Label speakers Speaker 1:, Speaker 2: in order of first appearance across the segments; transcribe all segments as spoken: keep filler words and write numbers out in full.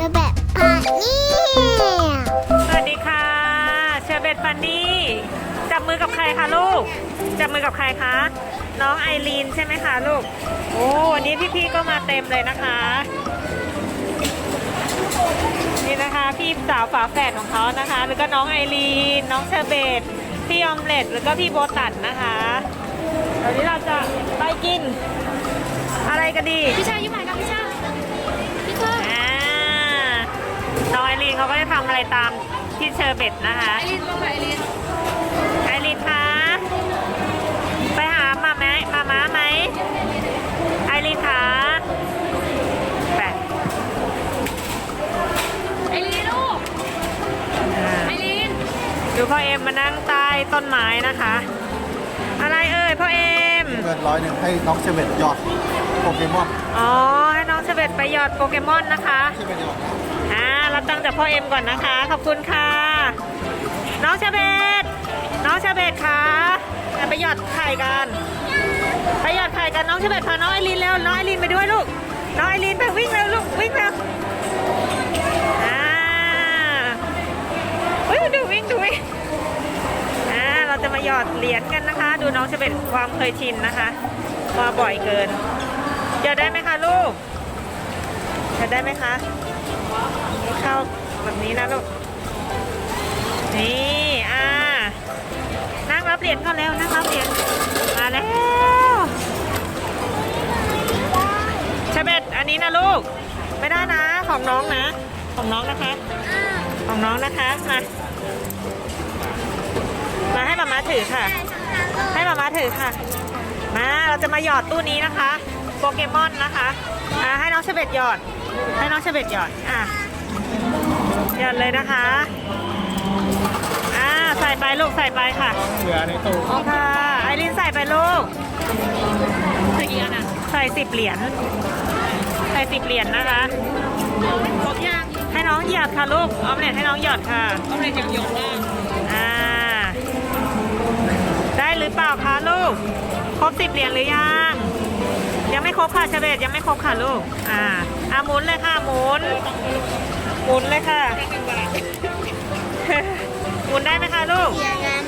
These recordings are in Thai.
Speaker 1: อแบบปันนี่
Speaker 2: สวัสดีค่ะเชอร์เบตฟันนี่จับมือกับใครคะลูกจับมือกับใครคะน้องไอรีนใช่ไหมคะลูกโอ้วันนี้พี่ๆก็มาเต็มเลยนะคะนี่นะคะพี่สาวฝาแฝดของเขานะคะแล้วก็น้องไอรีนน้องเชอร์เบตพี่ออมเล็ตแล้วก็พี่โบตันนะคะเดี๋ยวนี้เราจะไปกินอะไรกันดี
Speaker 3: พี่ชายยิ้มหน่อยครับพี่ชายพี่ชาย
Speaker 2: อ่าน้องไอรีนเขาก็จะทำอะไรตามที่เชอร์เบตนะคะ
Speaker 3: ไอรินลงไปไอริน
Speaker 2: ไอรีนคะไปหามาไหมมาม้าไหมไอรีนคะไป
Speaker 3: ไอรินลูก
Speaker 2: อ่า
Speaker 3: ไอริน
Speaker 2: ดูพ่อเอ็มมานั่งใต้ต้นไม้นะคะ อะไรเอ่ยพ่อเอ็ม
Speaker 4: เงินร้อยหนึ่งให้น้องเชเวตหยอดโปเกมอน
Speaker 2: อ๋อให้น้องเชเบตไปหยอดโปเกมอนนะคะ
Speaker 4: เชเวตหยอดนะ
Speaker 2: อ่ารับตังค์จากพ่อเอ็มก่อนนะคะขอบคุณค่ะน้องเชเบตน้องเชเบตคะไปหยอดไข่กันไปหยอดไข่กันน้องเชเบตพาน้องไอรีนเร็วน้องไอรีนไปด้วยลูกน้องไอรีนไปวิ่งเร็วลูกวิ่งเร็วอ่าเฮ้ยดูวิ่งดูวิ่งอ่าเราจะมาหยอดเหรียญกันนะคะ ดูน้องเชเบตความเคยชินนะคะมาบ่อยเกินหยอดได้ไหมคะลูกหยอดได้ไหมคะเข้าแบบนี้นะลูกนี่อ่านั่งรับเหรียญก่อนแล้วนั่งรับเหรียญมาแล้วเชเบตอันนี้นะลูกไม่ได้นะของน้องนะของน้องนะคะของน้องนะคะมามาให้มาม่าถือค่ะให้มาม่าถือค่ะมาเราจะมาหยอดตู้นี้นะคะโปเกมอนนะคะอ่าให้น้องเชเบตหยอดให้น้องเชเบตหยอดอ่ะหยอดเลยนะคะอ่าใส่ไปลูกใส่ไปค่ะ
Speaker 4: เหลือในตู้
Speaker 2: ค่ะไอรินใส่ไปลูก
Speaker 3: ใส่กี่อันอ่ะ
Speaker 2: ใส่สิบเหรียญใส่สิบเหรียญนะคะ
Speaker 3: ครบยัง
Speaker 2: ให้น้องหยอดค่ะลูกออมเล็ตให้น้องหยอดค่ะ
Speaker 3: เอาเลยยังหยงล่าง
Speaker 2: อ่าได้หรือเปล่าคะลูกครบสิบเหรียญหรือยังยังไม่ครบค่ะเชเบตยังไม่ครบค่ะลูกอ่าอ่าหมุนเลยค่ะหมุนหมุนเลยค่ะ หมุนได้ไหมคะลูก
Speaker 1: เสียกัน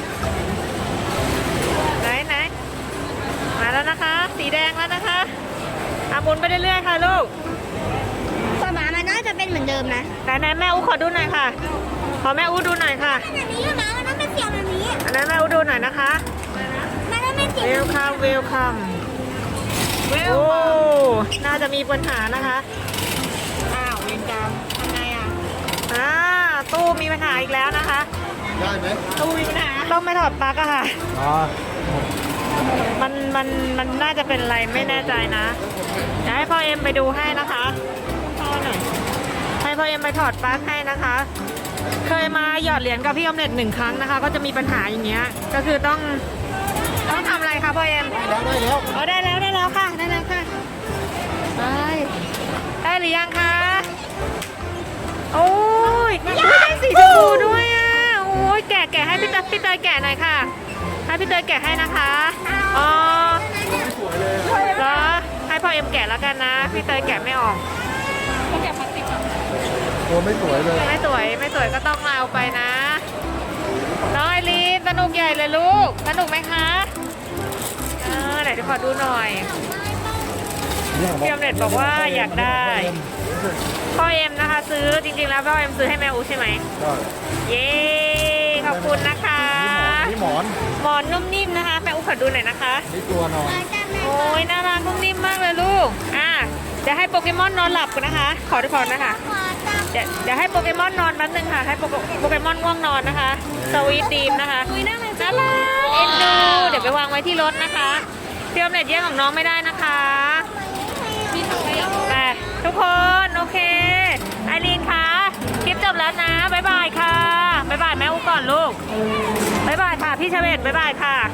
Speaker 2: ไหนไหนมาแล้วนะคะ สีแดงแล้วนะคะอ่ะหมุนไปเรื่อยๆค่ะลูก
Speaker 1: ป้าหมามันน่าจะเป็นเหมือนเดิมนะ
Speaker 2: ไหนไหนแม่อู้ขอดูหน่อยค่ะขอแม่อู้ดูหน่อยค่ะ
Speaker 1: แบบนี้อยู่นะมันต้องเป็นเสียงแบบนี้
Speaker 2: อันนั้นแม่อู้ดูหน่อยนะคะ
Speaker 1: มันต้องเป็นเสียง
Speaker 2: เวลคัมเวลคัมโอ้น่าจะมีปัญหานะคะ
Speaker 3: อ้าวเวรกรรมทำไงอ่ะ
Speaker 2: อ่าตู้มีปัญหาอีกแล้วนะคะ
Speaker 4: ได้ไหม
Speaker 3: ตู้มีปัญหา
Speaker 2: ต้องไม่ถอดปลั๊กอะค่ะ
Speaker 4: อ๋อ
Speaker 2: มันมันมันน่าจะเป็นอะไรไม่แน่ใจนะเดี๋ยวให้พ่อเอ็มไปดูให้นะคะพ่อหน่อยให้พ่อเอ็มไปถอดปลั๊กให้นะคะ เคยมาหยอดเหรียญกับพี่ออมเล็ตหนึ่งครั้งนะคะ ก็จะมีปัญหาอย่างเงี้ยก็คือต้องต้องทำอะไรคะพ่อเอ็ม
Speaker 4: ได้แล้วได้แล้ว
Speaker 2: อ๋อได้แล้วได้แล้วค่ะได้แล้วค่ะได้ได้หรือยังคะโอ้ยอุ๊ยได้สีชมพูด้วยอ่ะโอ้ยแกะแกะให้พี่เตยพี่เตยแกะหน่อยค่ะให้พี่เตยแกะให้นะคะอ๋อเหรอให้พ่อเอ็มแกะแล้วกันนะพี่เตยแกะไม่ออก
Speaker 3: เขาแกะพลาสติกอ่ะ
Speaker 4: ตัวไม่สวยเลย
Speaker 2: ไม่สวยไม่สวยก็ต้องเอาไปนะน้องไอรีนสนุกใหญ่เลยลูกสนุกไหมคะเออไหนจะขอดูหน่อยพี่ออมเล็ตบอกว่าอยากได้พ่อเอ็มนะคะ ซื้อจริงๆแล้วพ่อเอ็มซื้อให้แม่อูใช่ไหม
Speaker 4: ก็
Speaker 2: เย้ขอบคุณนะคะ
Speaker 4: นี่หมอน
Speaker 2: หมอนนุ่มนิ่มนะคะแม่อูขอดูหน่อยนะคะ
Speaker 4: นี่ตัวนอน
Speaker 2: โอ้ยน่ารักนุ่มนิ่มมากเลยลูกอ่ะเดี๋ยวให้โปเกมอนนอนหลับกันนะคะ ขอทุกคนนะคะ
Speaker 1: ขอจับ
Speaker 2: เดี๋ยวเดี๋ยวให้โปเกมอนนอนแป๊บนึงค่ะให้โปเกโปเกมอนง่วงนอนนะคะสวีทดีมนะคะ
Speaker 3: คุยนั่งเลย
Speaker 2: น่ารักเอ็นดูเดี๋ยวไปวางไว้ที่รถนะคะพี่ออมเล็ตแย่งของน้องไม่ได้นะคะ
Speaker 3: มีถังขยะ
Speaker 2: ไปทุกคนโอเคไอรีนคะคลิปจบแล้วนะบ๊ายบายค่ะบ๊ายบายแม่อูก่อนลูกบ๊ายบายค่ะพี่เชเวตบ๊ายบายค่ะ